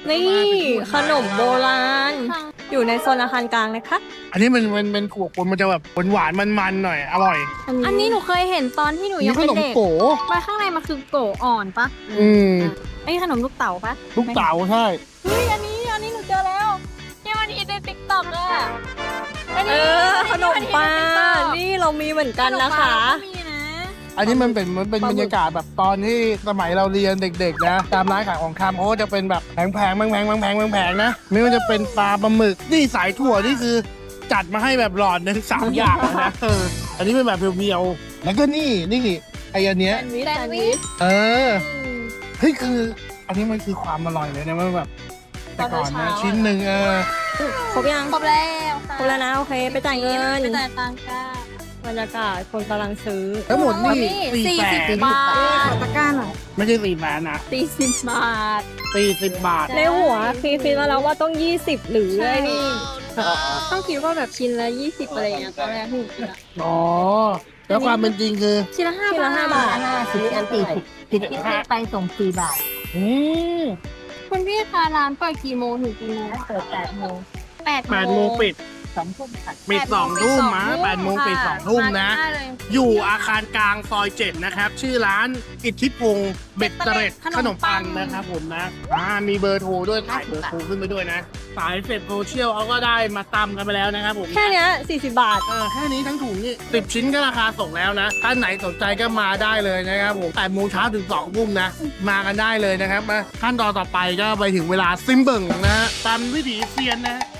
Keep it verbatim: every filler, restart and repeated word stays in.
นี่ขนมโบราณ อยู่ในโซนอาคารกลางนะคะอันนี้มันมันเป็นถั่วปนมันจะแบบหวานๆมันๆหน่อยอร่อยอันนี้หนูเคยเห็นตอนที่หนูนี่ยังขเป็นนมเด็กโกมาข้างในมันคือโกอ่อนปะอืมไอ้ขนมลูกเต๋าปะลูกเต๋าใช่เฮ้ยอันนี้อันนี้หนูเจอแล้วที่มันฮิตในติ๊กต็อกอะอันเอนี้อ ขนมปลานี่นี่เรามีเหมือนกันนะคะมีนะอันนี้มันเป็นมันเป็นบรรยากาศแบบตอนที่สมัยเราเรียนเด็กๆนะตามร้านขายของคำเขาก็จะเป็นแบบแพงๆแพงๆแพงๆแพงๆแพงๆนะไม่ว่าจะเป็นปลาปลาหมึกนี่สายถั่วนี่คือ จัดมาให้แบบหลอดหนึ่งสามอย่างเลยนะเอออันนี้เป็นแบบเพียวๆแล้วก็นี่นี่ไออันเนี้ยแซนด์วิชเออเฮ้ยคือ อันนี้มันคือความอร่อยเลยนะมันแบบแต่ก่อนนะชิ้นหนึ่งเออครบยังครบแล้วครบแล้วนะ โอเค ไปจ่ายเงินไปจ่ายตังค์กันบรรยากาศคนกำลังซื้อทั้งหมดนี่สี่สี่แสสิบนบาทตะกร้าหน่อยไม่ใช่สี่แสนนะสี่สิบบาทสี่สิบบาทในหัวคิดคิดมาแล้วว่าต้องยี่สิบหรือไอ้นี่ต้องคิดว่าแบบชิ้นละยี่สิบอะไรอย่างเงี้ยตอนแรกที่หนูคิดอะอ๋อแล้วความเป็นจริงคือชิ้นละห้าชิ้นบาละทห้าบาทสิบอันสี่สิบสิบที่ซื้อไปส่งสี่บาทอืมคุณพี่คะร้านเปิดกี่โมงถึงกี่โมงเปิดแปดโมงแปดแปดโมงปิดสองทุ่มค่ะปิดสองทุ่มนะแปดโมงปิดสองทุ่มนะาได้เลยอยู่อาคารกลางซอยเจ็ดนะครับ ชื่อร้านอิทธิพงศ์เบ็ดเตร็ดขนมปังนะครับผมนะอ่ามีเบอร์โทรด้วยถ่ายเบอร์โทรขึ้นไปด้วยนะ สายเฟซโซเชียลเขาก็ได้มาตำกันไปแล้วนะครับผมแค่เนี้ยสี่สิบบาทเออแค่นี้ทั้งถุงนี่สิบชิ้นก็ราคาส่งแล้วนะท่านไหนสนใจก็มาได้เลยนะครับผมแปดโมงเช้าถึงสองทุ่มนะ มากันได้เลยนะครับมาขั้นตอนต่อไปก็ไปถึงเวลาซิมเบิงนะฮะตามวิถีเซียนนะฮะ